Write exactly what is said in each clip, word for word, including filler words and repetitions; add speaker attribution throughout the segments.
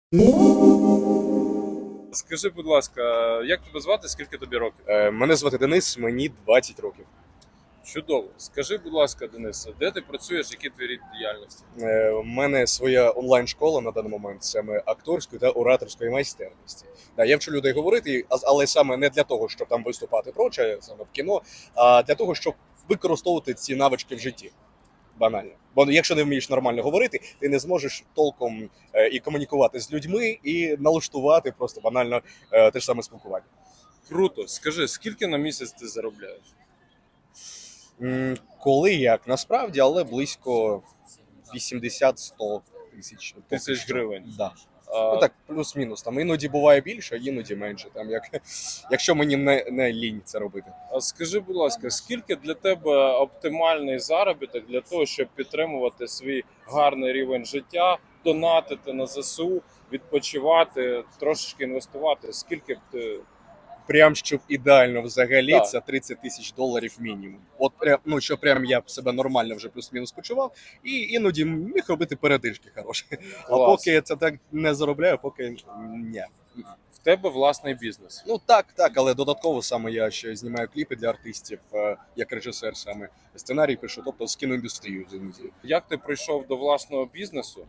Speaker 1: Скажи, будь ласка, як тебе звати, скільки тобі років?
Speaker 2: Е, Мене звати Денис, мені двадцять років.
Speaker 1: Чудово. Скажи, будь ласка, Денисе, де ти працюєш, які твої рід діяльності?
Speaker 2: Е, У мене своя онлайн-школа на даний момент, саме акторської та ораторської майстерності. Да, я вчу людей говорити, а- але саме не для того, щоб там виступати проче, саме в кіно, а для того, щоб використовувати ці навички в житті. Банально. Бо якщо не вмієш нормально говорити, ти не зможеш толком е, і комунікувати з людьми, і налаштувати просто банально е, те ж саме спілкування.
Speaker 1: Круто. Скажи, скільки на місяць ти заробляєш?
Speaker 2: М, Коли як насправді, але близько вісімдесят-сто тисяч поки
Speaker 1: Тисяч
Speaker 2: що.
Speaker 1: гривень.
Speaker 2: Да.
Speaker 1: А,
Speaker 2: Ну так, плюс-мінус. Там іноді буває більше, іноді менше. Там як якщо мені не, не лінь це робити.
Speaker 1: а скажи, будь ласка, скільки для тебе оптимальний заробіток для того, щоб підтримувати свій гарний рівень життя, донатити на ЗСУ, відпочивати, трошечки інвестувати? Скільки б ти.
Speaker 2: Прям щоб ідеально взагалі
Speaker 1: Так.
Speaker 2: це тридцять тисяч доларів мінімум. От прям, ну що прям я б себе нормально вже плюс-мінус почував, і іноді міг робити передишки хороші. А
Speaker 1: Клас.
Speaker 2: поки я це так не заробляю, поки ні.
Speaker 1: В тебе власний бізнес.
Speaker 2: Ну так, так, але додатково саме я ще знімаю кліпи для артистів, е, як режисер саме сценарій пишу, тобто з кіноіндустрією взаємодію.
Speaker 1: Як ти прийшов до власного бізнесу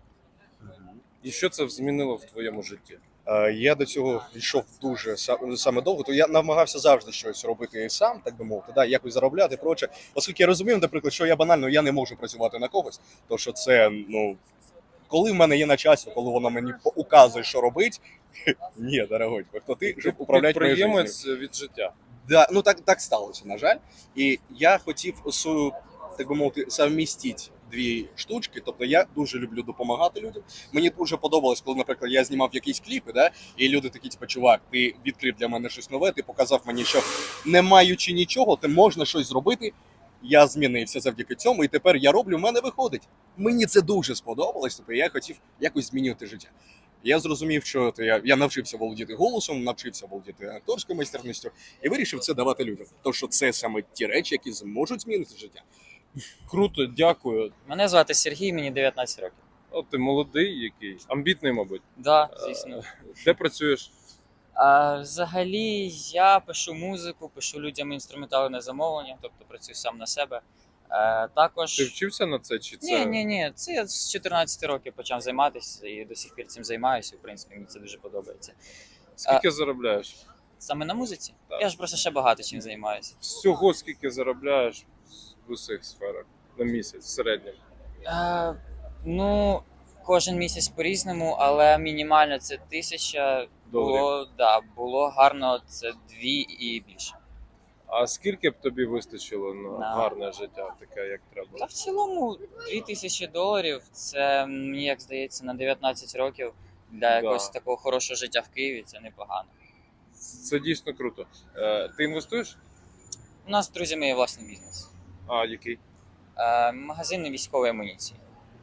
Speaker 1: і що це змінило в твоєму житті?
Speaker 2: Е, Я до цього йшов дуже са- саме довго, то я намагався завжди щось робити сам, так би мовити, да, якось заробляти, проче. Оскільки я розумів, наприклад, що я банально я не можу працювати на когось, то що це, ну, коли в мене є начальство, коли воно мені указує, що робити, ні, дорогой, хто ти, щоб управляти моєю життю.
Speaker 1: Підприємець від життя.
Speaker 2: Да, ну так, так сталося, на жаль. І я хотів свою, так би мовити, совмістити дві штучки. Тобто я дуже люблю допомагати людям. Мені дуже подобалось, коли, наприклад, я знімав якісь кліпи, да, і люди такі, типу, чувак, ти відкрив для мене щось нове, ти показав мені, що не маючи нічого, ти можна щось зробити. Я змінився завдяки цьому, і тепер я роблю, в мене виходить. Мені це дуже сподобалось, тобто я хотів якось змінювати життя. Я зрозумів, що то я, я навчився володіти голосом, навчився володіти акторською майстерністю і вирішив це давати людям. Тому що це саме ті речі, які зможуть змінити життя.
Speaker 1: Круто, дякую.
Speaker 3: Мене звати Сергій, мені дев'ятнадцять років.
Speaker 1: О, ти молодий який, амбітний, мабуть.
Speaker 3: Да, звісно.
Speaker 1: Де працюєш?
Speaker 3: А, взагалі я пишу музику, пишу людям інструментали на замовлення, тобто працюю сам на себе. Е, також.
Speaker 1: Ти вчився на це чи
Speaker 3: Ні,
Speaker 1: це?
Speaker 3: ні, ні. Це я з чотирнадцяти років почав займатися і до сих пір цим займаюся. В принципі, мені це дуже подобається.
Speaker 1: Скільки заробляєш?
Speaker 3: Саме на музиці?
Speaker 1: Так.
Speaker 3: Я ж просто ще багато чим займаюся.
Speaker 1: Всього скільки заробляєш в усіх сферах на місяць в середньому?
Speaker 3: Е, ну, кожен місяць по-різному, але мінімально це тисяча. Було, да, було гарно, це дві і більше.
Speaker 1: А скільки б тобі вистачило на
Speaker 3: На.
Speaker 1: гарне життя, таке як
Speaker 3: Та
Speaker 1: треба?
Speaker 3: в цілому дві тисячі доларів це, мені як здається, на дев'ятнадцять років для якогось такого хорошого життя в Києві це непогано.
Speaker 1: Це дійсно круто. Е, ти інвестуєш?
Speaker 3: У нас з друзями є власний бізнес.
Speaker 1: А який?
Speaker 3: Е, магазини військової амуніції.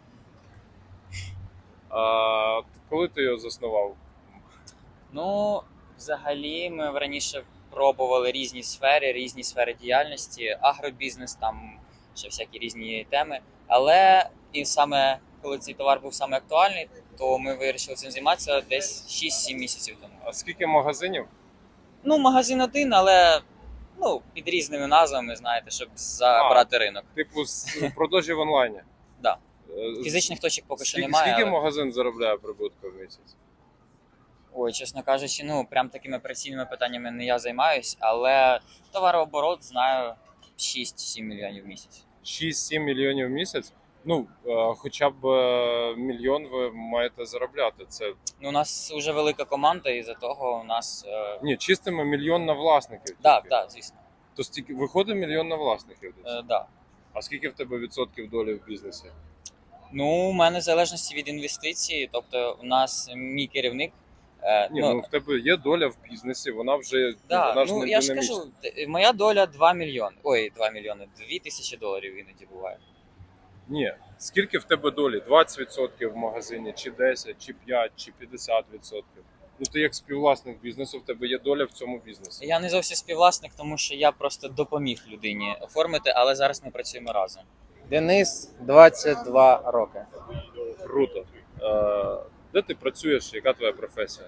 Speaker 1: А коли ти його заснував?
Speaker 3: Ну, взагалі, ми раніше пробували різні сфери, різні сфери діяльності, агробізнес, там ще всякі різні теми. Але і саме коли цей товар був саме актуальний, то ми вирішили цим займатися десь шість-сім місяців тому.
Speaker 1: А скільки магазинів?
Speaker 3: Ну, магазин один, але ну, під різними назвами, знаєте, щоб забрати ринок.
Speaker 1: Типу з продажі в онлайні?
Speaker 3: Да.
Speaker 1: Е,
Speaker 3: Фізичних точок поки що
Speaker 1: скільки,
Speaker 3: немає.
Speaker 1: Скільки
Speaker 3: але...
Speaker 1: магазин заробляє прибутку в місяць?
Speaker 3: Ой, чесно кажучи, ну прям такими операційними питаннями не я займаюсь, але товарооборот знаю шість-сім мільйонів в місяць.
Speaker 1: шість-сім мільйонів в місяць? Ну, е, хоча б е, мільйон ви маєте заробляти. Це
Speaker 3: Ну, у нас вже велика команда, і за того у нас. Е...
Speaker 1: ні, чистими мільйон на власників.
Speaker 3: Так,
Speaker 1: тільки.
Speaker 3: так, звісно.
Speaker 1: То стільки виходить мільйон на власників. десь?
Speaker 3: Е, да.
Speaker 1: А скільки в тебе відсотків долі в бізнесі?
Speaker 3: Ну, у мене в залежності від інвестицій, тобто у нас мій керівник. Е,
Speaker 1: Ні, ну, ну в тебе є доля в бізнесі, вона вже
Speaker 3: да,
Speaker 1: вона ж
Speaker 3: ну
Speaker 1: не
Speaker 3: я ж
Speaker 1: динамічна.
Speaker 3: кажу, т- моя доля два мільйони. Ой, два мільйони, дві тисячі доларів іноді буває.
Speaker 1: Ні. Скільки в тебе долі? двадцять відсотків в магазині, чи десять, чи п'ять, чи п'ятдесят відсотків? Ну ти як співвласник бізнесу, в тебе є доля в цьому бізнесі.
Speaker 3: Я не зовсім співвласник, тому що я просто допоміг людині оформити, але зараз ми працюємо разом.
Speaker 4: Денис, двадцять два роки.
Speaker 1: Круто. Е, Де ти працюєш? Яка твоя професія?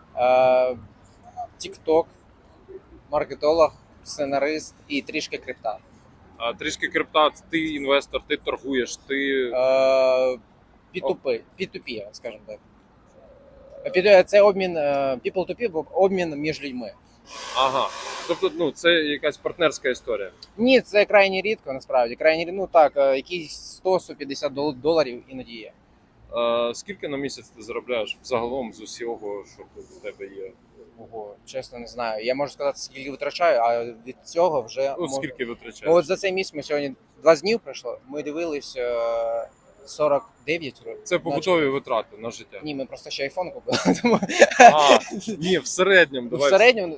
Speaker 4: Тікток, маркетолог, сценарист і трішки крипта.
Speaker 1: А трішки крипта, ти інвестор, ти торгуєш, ти
Speaker 4: пі ту пі, пі ту пі, скажімо так. Пі- Це обмін people to people, обмін між людьми.
Speaker 1: ага. Тобто, ну це якась партнерська історія.
Speaker 4: Ні, це крайні рідко, насправді. Крайні рідко, ну так, е, якісь сто - сто п'ятдесят дол- доларів іноді є.
Speaker 1: А, скільки на місяць ти заробляєш загалом з усього, що в тебе є?
Speaker 4: Ого, чесно не знаю. Я можу сказати, скільки витрачаю, а від цього вже
Speaker 1: Ну,
Speaker 4: мож-
Speaker 1: скільки
Speaker 4: Ну,
Speaker 1: витрачаєш?
Speaker 4: от за цей місяць ми сьогодні двадцять днів пройшло. Ми дивились е, сорок дев'ять років.
Speaker 1: Це побутові витрати на життя.
Speaker 4: Ні, ми просто ще айфон купили. Тому
Speaker 1: А, ні, в середньому.
Speaker 4: в
Speaker 1: Давай.
Speaker 4: середньому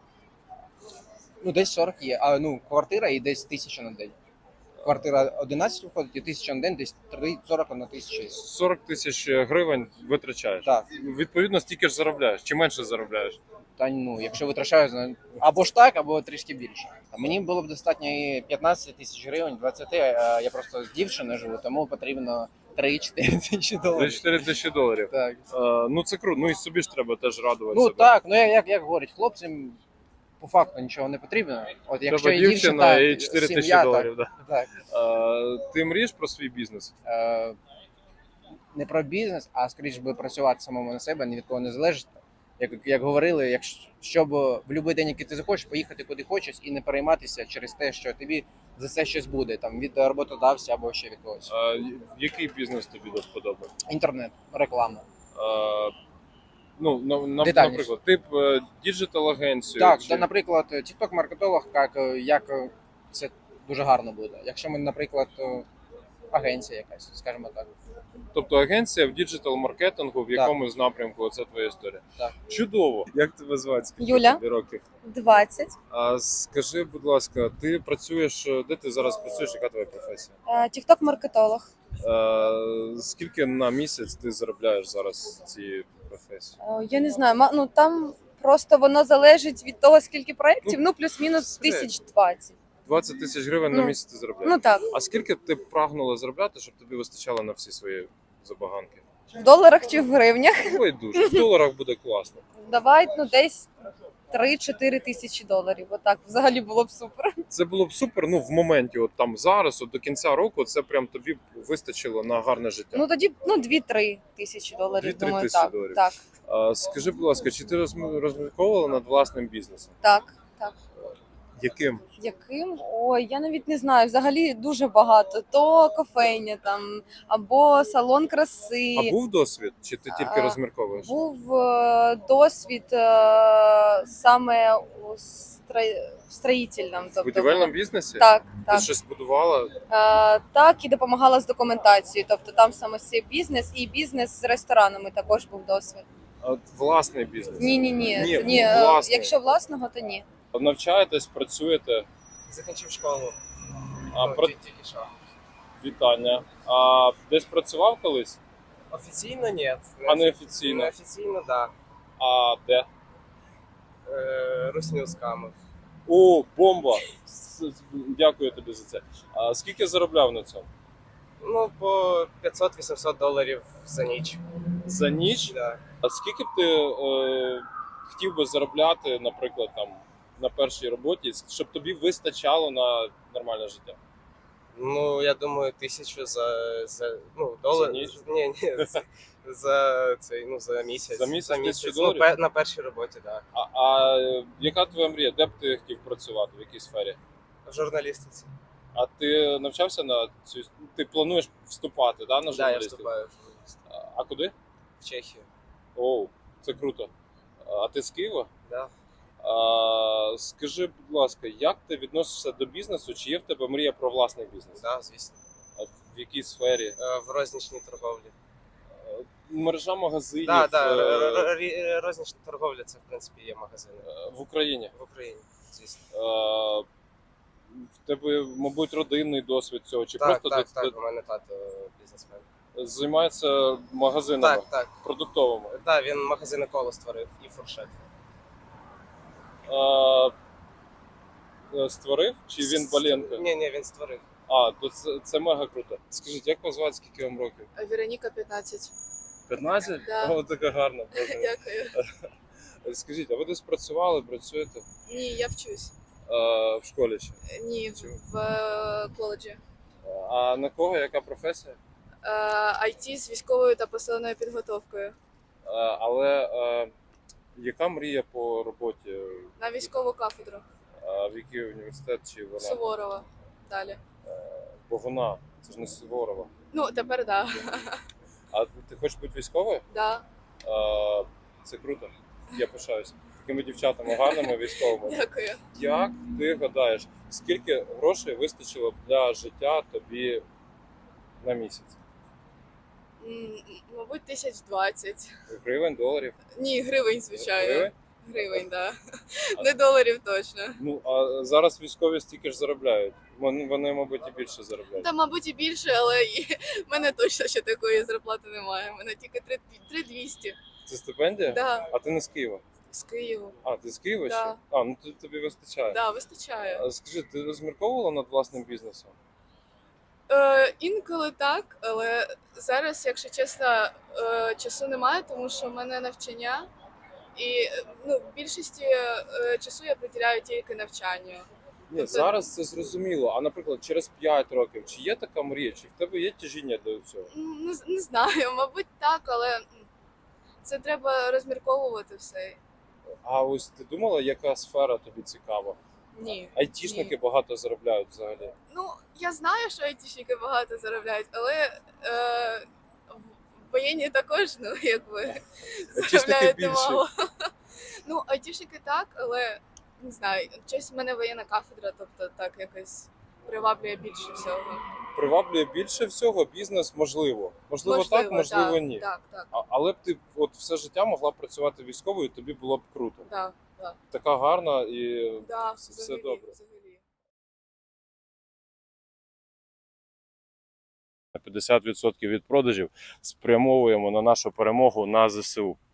Speaker 4: ну десь сорок є. А ну квартира і десь тисяча на день. Квартира одинадцять виходить, і тисяча на день, десь сорок на тисячу.
Speaker 1: сорок тисяч гривень витрачаєш.
Speaker 4: Так.
Speaker 1: Відповідно, стільки ж заробляєш. Чи менше заробляєш?
Speaker 4: Та ну, якщо витрачаю, зна- або ж так, або трішки більше. А мені було б достатньо і п'ятнадцять тисяч гривень, двадцять, а я просто з дівчиною живу, тому потрібно три-чотири тисячі доларів.
Speaker 1: чотири тисячі доларів.
Speaker 4: Так.
Speaker 1: Е, ну це круто. Ну і собі ж треба теж радувати
Speaker 4: Ну
Speaker 1: себе.
Speaker 4: так, ну як, як, як говорять, хлопцям по факту нічого не потрібно. От якщо
Speaker 1: Треба
Speaker 4: є
Speaker 1: дівчина
Speaker 4: дівчина,
Speaker 1: і чотири тисячі
Speaker 4: сім'я,
Speaker 1: доларів. Да.
Speaker 4: Так, так.
Speaker 1: Е, ти мрієш про свій бізнес?
Speaker 4: Е, не про бізнес, а скоріш би працювати самому на себе, ні від кого не залежить. Як, як говорили, якщо щоб в будь-який день, який ти захочеш, поїхати куди хочеш і не перейматися через те, що тобі за це щось буде, там від роботодавця або ще від когось.
Speaker 1: Е, який бізнес тобі до вподоби?
Speaker 4: Інтернет, реклама.
Speaker 1: Е, ну, на, на,
Speaker 4: Детальніше.
Speaker 1: наприклад, ти б е, діджитал-агенцію.
Speaker 4: Так,
Speaker 1: чи...
Speaker 4: та, наприклад, TikTok маркетолог, як, як це дуже гарно буде. Якщо ми, наприклад, агенція якась, скажімо так.
Speaker 1: Тобто агенція в діджитал-маркетингу, в якомусь напрямку, це твоя історія.
Speaker 4: Так.
Speaker 1: Чудово. Як тебе звати? Скільки
Speaker 5: Юля.
Speaker 1: тобі років?
Speaker 5: двадцять.
Speaker 1: А скажи, будь ласка, ти працюєш, де ти зараз працюєш, яка твоя професія?
Speaker 5: Тікток-маркетолог.
Speaker 1: Е, скільки на місяць ти заробляєш зараз цієї професії?
Speaker 5: Е, Я не знаю, ма- ну там просто воно залежить від того, скільки проєктів, ну плюс-мінус
Speaker 1: Ну,
Speaker 5: тисяч двадцять.
Speaker 1: двадцять тисяч гривень на
Speaker 5: Ну,
Speaker 1: місяць ти заробляєш?
Speaker 5: Ну так,
Speaker 1: А скільки ти б прагнула заробляти, щоб тобі вистачало на всі свої забаганки?
Speaker 5: в доларах чи в гривнях.
Speaker 1: Ой, дуже. В доларах буде класно.
Speaker 5: Давай, ну десь три-чотири тисячі доларів. Отак взагалі було б супер.
Speaker 1: Це було б супер, ну в моменті, от там зараз, от до кінця року, це прям тобі б вистачило на гарне життя.
Speaker 5: Ну тоді ну дві-три тисячі доларів.
Speaker 1: Дві-три
Speaker 5: Думаю,
Speaker 1: тисячі
Speaker 5: так,
Speaker 1: доларів.
Speaker 5: так,
Speaker 1: А, скажи, будь ласка, чи ти розм- розмірковувала над власним бізнесом?
Speaker 5: так, так.
Speaker 1: Яким?
Speaker 5: Яким? Ой, я навіть не знаю. Взагалі дуже багато. То кофейня там або салон краси.
Speaker 1: А був досвід? Чи ти тільки
Speaker 5: А,
Speaker 1: розмірковуєш?
Speaker 5: Був е, досвід е, саме у стро- в строїтельному.
Speaker 1: В
Speaker 5: Тобто,
Speaker 1: будівельному бізнесі?
Speaker 5: так,
Speaker 1: Ти
Speaker 5: так.
Speaker 1: щось будувала?
Speaker 5: Е, так, і допомагала з документацією. Тобто там саме цей бізнес і бізнес з ресторанами також був досвід.
Speaker 1: А от власний бізнес?
Speaker 5: Ні, ні, ні.
Speaker 1: Ні,
Speaker 5: ні е,
Speaker 1: власний.
Speaker 5: якщо власного, то ні.
Speaker 1: Навчаєтесь, працюєте?
Speaker 6: Закінчив школу.
Speaker 1: А,
Speaker 6: Ну,
Speaker 1: про...
Speaker 6: тільки що.
Speaker 1: Вітання. А десь працював колись?
Speaker 6: Офіційно ні.
Speaker 1: А неофіційно?
Speaker 6: Неофіційно, так.
Speaker 1: А де?
Speaker 6: Да. Е, Русню скамив.
Speaker 1: О, бомба! С- с- Дякую тобі за це. А скільки заробляв на цьому?
Speaker 6: Ну, по п'ятсот-вісімсот доларів за ніч.
Speaker 1: За ніч?
Speaker 6: Да.
Speaker 1: А скільки б ти е, хотів би заробляти, наприклад, там на першій роботі, щоб тобі вистачало на нормальне життя?
Speaker 6: Ну, я думаю, тисячу за, за ну, долар.
Speaker 1: ніч?
Speaker 6: Ні, ні, за, за цей, ну, за місяць.
Speaker 1: За місяць тисячу
Speaker 6: Ну,
Speaker 1: доларів?
Speaker 6: пе- на першій роботі, так.
Speaker 1: А, а е, яка твоя мрія? Де б ти хотів працювати? В якій сфері?
Speaker 6: Да. В журналістиці.
Speaker 1: А ти навчався на цю? Ти плануєш вступати, да, на
Speaker 6: Так, да, я
Speaker 1: журналістику?
Speaker 6: вступаю в журналістику.
Speaker 1: А- А куди?
Speaker 6: В Чехію.
Speaker 1: Оу, це круто. А ти з Києва?
Speaker 6: Да.
Speaker 1: А, скажи, будь ласка, як ти відносишся до бізнесу? Чи є в тебе мрія про власний бізнес?
Speaker 6: Да, звісно.
Speaker 1: А в якій сфері?
Speaker 6: Е, В рознічній торговлі.
Speaker 1: Е, Мережа магазинів
Speaker 6: Так, да,
Speaker 1: е,
Speaker 6: да. р- р- р- рознічна торговля це, в принципі, є магазини.
Speaker 1: е, в Україні.
Speaker 6: В Україні, звісно.
Speaker 1: Е, В тебе, мабуть, родинний досвід цього, чи
Speaker 6: Так,
Speaker 1: просто
Speaker 6: так,
Speaker 1: ти-
Speaker 6: так,
Speaker 1: ти
Speaker 6: у мене тато бізнесмен.
Speaker 1: займається магазинами
Speaker 6: Так, так.
Speaker 1: продуктовими?
Speaker 6: Так, він магазини коло створив і фуршет.
Speaker 1: Е, е, Створив? Чи він Баленко?
Speaker 6: Ні, ні, він створив.
Speaker 1: А, то це, це мега круто. Скажіть, як вас звати, скільки вам років?
Speaker 7: Вероніка п'ятнадцять.
Speaker 1: п'ятнадцять?
Speaker 7: Да.
Speaker 1: О, така гарна. Боже.
Speaker 7: Дякую.
Speaker 1: Скажіть, а ви десь працювали, працюєте
Speaker 7: Ні, я вчусь.
Speaker 1: е, в школі ще?
Speaker 7: Ні,
Speaker 1: Чому?
Speaker 7: в е, коледжі.
Speaker 1: А на кого, яка професія?
Speaker 7: Е, ай ті з військовою та посиленою підготовкою.
Speaker 1: Е, але е, яка мрія по роботі?
Speaker 7: На військову кафедру
Speaker 1: А в який університет чи вона?
Speaker 7: Суворова. Далі.
Speaker 1: Богуна, це ж не Суворова.
Speaker 7: Ну, тепер да.
Speaker 1: А ти хочеш бути військовою?
Speaker 7: Да.
Speaker 1: А, це круто. Я пишаюсь. Такими дівчатами гарними військовими.
Speaker 7: Дякую.
Speaker 1: Як ти гадаєш, скільки грошей вистачило б для життя тобі на місяць?
Speaker 7: М, Мабуть, тисяч двадцять.
Speaker 1: Гривень, доларів?
Speaker 7: Ні, гривень, звичайно.
Speaker 1: Гривень?
Speaker 7: Гривень, да. Не доларів точно.
Speaker 1: Ну, а зараз військові стільки ж заробляють. Вони, вони мабуть, і більше заробляють.
Speaker 7: Та, мабуть, і більше, але і в мене точно ще такої зарплати немає. У мене тільки три тисячі двісті.
Speaker 1: Це стипендія?
Speaker 7: Да.
Speaker 1: А ти не з Києва?
Speaker 7: З Києва.
Speaker 1: А, ти з Києва
Speaker 7: Да.
Speaker 1: ще? А, ну то тобі вистачає.
Speaker 7: Да, вистачає.
Speaker 1: А скажи, ти розмірковувала над власним бізнесом?
Speaker 7: Е, інколи так, але зараз, якщо чесно, е, часу немає, тому що в мене навчання, і е, ну, в більшості е, часу я приділяю тільки навчанню.
Speaker 1: Ні,
Speaker 7: Тобто-
Speaker 1: зараз це зрозуміло. А наприклад, через п'ять років, чи є така мрія, чи в тебе є тяжіння до цього?
Speaker 7: М, Не, з- не знаю, мабуть, так, але м, це треба розмірковувати все.
Speaker 1: А ось ти думала, яка сфера тобі цікава?
Speaker 7: Ні.
Speaker 1: Айтішники
Speaker 7: Ні.
Speaker 1: багато заробляють взагалі.
Speaker 7: Ну, я знаю, що айтішники багато заробляють, але е, в- воєнні також, ну, якби, заробляють
Speaker 1: більше.
Speaker 7: немало. Ну, айтішники так, але не знаю, щось в мене воєнна кафедра, тобто так якось приваблює більше всього.
Speaker 1: Приваблює більше всього бізнес, можливо. Можливо, так, можливо,
Speaker 7: так,
Speaker 1: ні.
Speaker 7: Так, так,
Speaker 1: А, але б ти от все життя могла б працювати військовою, тобі було б круто.
Speaker 7: так, так.
Speaker 1: Така гарна і
Speaker 7: Да,
Speaker 1: все, все
Speaker 7: взагалі,
Speaker 1: добре.
Speaker 7: взагалі.
Speaker 1: п'ятдесят відсотків від продажів спрямовуємо на нашу перемогу на ЗСУ.